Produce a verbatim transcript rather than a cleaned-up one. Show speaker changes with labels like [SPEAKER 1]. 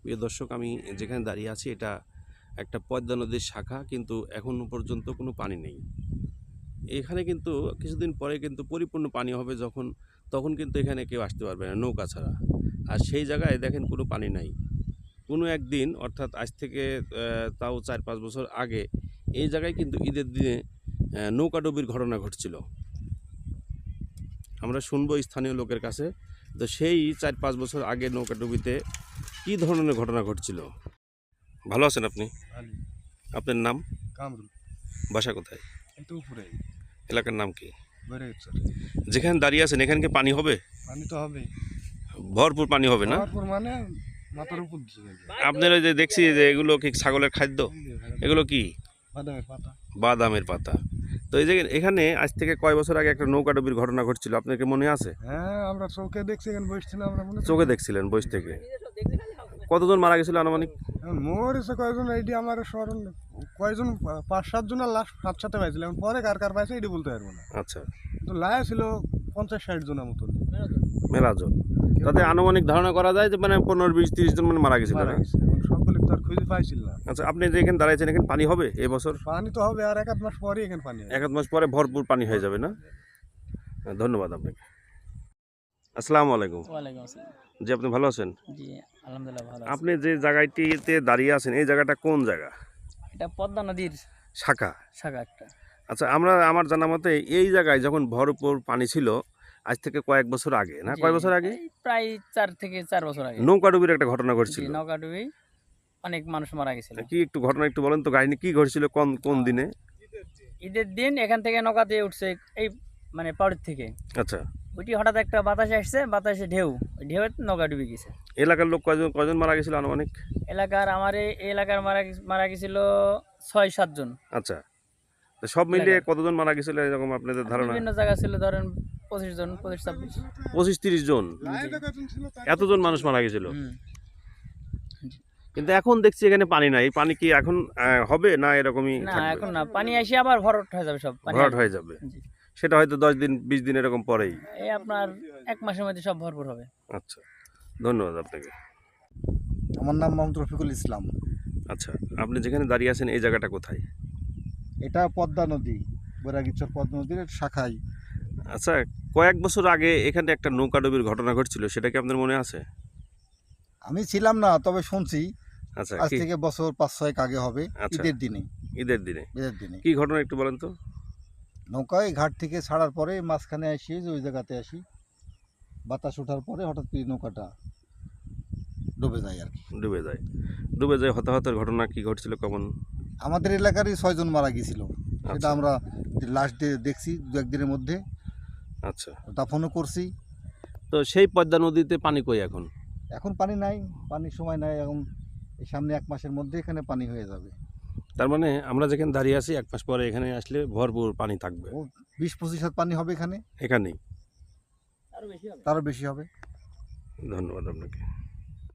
[SPEAKER 1] প্রিয় দর্শক, আমি যেখানে দাঁড়িয়ে আছি এটা একটা পদ্মা নদীর শাখা, কিন্তু এখনও পর্যন্ত কোনো পানি নেই এখানে। কিন্তু কিছুদিন পরে কিন্তু পরিপূর্ণ পানি হবে যখন, তখন কিন্তু এখানে কেউ আসতে পারবে না নৌকা ছাড়া। আর সেই জায়গায় দেখেন কোনো পানি নাই। কোনো একদিন, অর্থাৎ আজ থেকে তাও চার পাঁচ বছর আগে এই জায়গায় কিন্তু ঈদের দিনে নৌকাডুবির ঘটনা ঘটছিল। আমরা শুনবো স্থানীয় লোকের কাছে, তো সেই চার পাঁচ বছর আগে নৌকাডুবিতে কী ধরনের ঘটনা ঘটছিল। ভালো আছেন আপনি? আপনার নাম?
[SPEAKER 2] কামরুল।
[SPEAKER 1] বাসা কোথায়?
[SPEAKER 2] একটু উপরে।
[SPEAKER 1] এলাকার নাম কি?
[SPEAKER 2] বেড়েগেশ্বর।
[SPEAKER 1] যেখানে দাঁড়িয়ে আছেন এখানে কি পানি হবে?
[SPEAKER 2] পানি তো হবে,
[SPEAKER 1] ভরপুর পানি হবে না?
[SPEAKER 2] ভরপুর মানে মাথার উপর দিয়ে।
[SPEAKER 1] আপনারা যে দেখছি যে এগুলো কি ছাগলের খাদ্য? এগুলো কি?
[SPEAKER 2] বাদামের পাতা।
[SPEAKER 1] বাদামের পাতা। তো এই যে এখানে আজ থেকে কয় বছর আগে একটা নৌকাডুবির ঘটনা ঘটছিল, আপনার কি মনে আছে?
[SPEAKER 2] হ্যাঁ, আমরা চোখে দেখছি, এখানে বসছিলাম আমরা। মনে
[SPEAKER 1] চোখে দেখছিলেন বয়স থেকে? কতজন মারা গেছিল আনুমানিক?
[SPEAKER 2] মরেছে কয়জন এইটি আমার স্মরণ, কয়জন পাঁচ সাত জনের লাশ সাত সাথে পাইছিল, এখন পরে কার কার পাইছে এটি বলতে পারবো না।
[SPEAKER 1] আচ্ছা,
[SPEAKER 2] কিন্তু লায়া ছিল পঞ্চাশ ষাট জনের মতন।
[SPEAKER 1] মেলা জন। তাতে আনুমানিক ধারণা করা যায় যে মানে পনেরো বিশ তিরিশ জন মানে মারা গেছিল।
[SPEAKER 2] মারা গেছে, এখন সকলে তো আর খুঁজে পাইছিল না।
[SPEAKER 1] আচ্ছা, আপনি যে এখানে দাঁড়াইছেন এখানে পানি হবে এই বছর?
[SPEAKER 2] পানি তো হবে, আর এক আধ মাস পরে এখানে পানি হবে।
[SPEAKER 1] এক আধ মাস পরে ভরপুর পানি হয়ে যাবে না? ধন্যবাদ আপনাকে। আসসালামু আলাইকুম।
[SPEAKER 3] ওয়ালাইকুম আসসালাম।
[SPEAKER 1] জি, আপনি ভালো আছেন?
[SPEAKER 3] জি, আলহামদুলিল্লাহ ভালো আছি।
[SPEAKER 1] আপনি যে জায়গাটিতে দাঁড়িয়ে আছেন এই জায়গাটা কোন জায়গা?
[SPEAKER 3] এটা পদ্মা নদীর
[SPEAKER 1] শাখা।
[SPEAKER 3] শাখা একটা।
[SPEAKER 1] আচ্ছা, আমরা আমার জানা মতে এই জায়গায় যখন ভরপুর পানি ছিল আজ থেকে কয়েক বছর আগে, না
[SPEAKER 3] জি,
[SPEAKER 1] কয় বছর আগে,
[SPEAKER 3] এই প্রায় চার থেকে চার বছর আগে
[SPEAKER 1] নৌকাডুবির একটা ঘটনা
[SPEAKER 3] জি,
[SPEAKER 1] ঘটছিল।
[SPEAKER 3] নৌকাডুবি অনেক মানুষ মারা গেছিল।
[SPEAKER 1] কি একটু ঘটনা একটু বলেন তো, কাহিনী কি ঘটছিল, কোন কোন দিনে?
[SPEAKER 3] ঈদের দিন এখান থেকে নৌকা দিয়ে উঠছে এই মানে পাড়ের থেকে।
[SPEAKER 1] আচ্ছা,
[SPEAKER 3] ওইটি হঠাৎ একটা বাতাসে আসছে, বাতাসে ঢেউ, ওই ঢেউয়ে নৌকা ডুবে গেছে।
[SPEAKER 1] এলাকার লোক কয়জন কয়জন মারা গেছিল আনুমানিক?
[SPEAKER 3] এলাকার আমার এই এলাকার মারা গে- মারা গেছিল ছয় সাতজন।
[SPEAKER 1] আচ্ছা, তো সব মিলিয়ে
[SPEAKER 3] এলাকার।
[SPEAKER 1] কতজন মারা গেছিল এরকম আপনাদের ধারণা?
[SPEAKER 3] বিভিন্ন জায়গা ছিল, ধরেন পঁচিশ জন, পঁচিশ ছাব্বিশ।
[SPEAKER 1] পঁচিশ তিরিশ জন? এতজন মানুষ মারা গেছিল?
[SPEAKER 3] হুম।
[SPEAKER 1] কিন্তু এখন দেখছি এখানে পানি নাই। পানি কি এখন আহ, হবে না এরকমই
[SPEAKER 3] না,
[SPEAKER 1] থাকবে?
[SPEAKER 3] এখন না, পানি এসে আবার ভরট হয়ে যাবে, সব পানি
[SPEAKER 1] ভরাট
[SPEAKER 3] আসবে।
[SPEAKER 1] হয়ে যাবে,
[SPEAKER 3] জি।
[SPEAKER 1] সেটা হয়তো দশ দিন বিশ দিন এরকম পরেই।
[SPEAKER 3] এই আপনার এক মাসের মধ্যে সব ভরপুর হবে।
[SPEAKER 1] আচ্ছা, ধন্যবাদ আপনাকে।
[SPEAKER 2] আমার নাম মোহাম্মদ রফিকুল ইসলাম।
[SPEAKER 1] আচ্ছা, আপনি যেখানে দাঁড়িয়ে আছেন এই জায়গাটা কোথায়?
[SPEAKER 2] এটা পদ্মা নদী, বৈরাগীচর পদ্মা নদীর শাখায়।
[SPEAKER 1] আচ্ছা, কয়েক বছর আগে এখানে একটা নৌকাডুবির ঘটনা ঘটছিল, সেটা কি আপনার মনে আছে?
[SPEAKER 2] আমি ছিলাম না, তবে শুনছি।
[SPEAKER 1] আচ্ছা,
[SPEAKER 2] আজ
[SPEAKER 1] কি
[SPEAKER 2] থেকে বছর পাঁচ ছয়েক আগে হবে।
[SPEAKER 1] আচ্ছা।
[SPEAKER 2] ঈদের দিনে।
[SPEAKER 1] ঈদের দিনে
[SPEAKER 2] ঈদের দিনে
[SPEAKER 1] কি ঘটনা একটু বলেন তো।
[SPEAKER 2] নৌকায় ঘাট থেকে ছাড়ার পরে মাঝখানে আসি, যে ওই জায়গাতে আসি, বাতাস ওঠার পরে হঠাৎ করে নৌকাটা ডুবে যায় আর কি।
[SPEAKER 1] ডুবে যায়, ডুবে যায় হতাহতের ঘটনা কি ঘটছিল কেমন?
[SPEAKER 2] আমাদের এলাকারই ছয়জন মারা গিয়েছিল, সেটা
[SPEAKER 1] আচ্ছা।
[SPEAKER 2] আমরা লাস্ট ডে দেখছি দু একদিনের মধ্যে,
[SPEAKER 1] আচ্ছা,
[SPEAKER 2] দাফনও করছি।
[SPEAKER 1] তো সেই পদ্মা নদীতে পানি কই এখন?
[SPEAKER 2] এখন পানি নাই, পানির সময় নাই এখন। এই সামনে এক মাসের মধ্যে এখানে পানি হয়ে যাবে।
[SPEAKER 1] তার মানে আমরা যেখানে দাঁড়িয়ে আছি এক মাস পরে এখানে আসলে ভরপুর পানি থাকবে।
[SPEAKER 2] ও বিশ পঁচিশ হাত পানি হবে এখানে,
[SPEAKER 1] এখানেই।
[SPEAKER 3] আরো বেশি হবে।
[SPEAKER 2] তারও বেশি হবে।
[SPEAKER 1] ধন্যবাদ আপনাকে।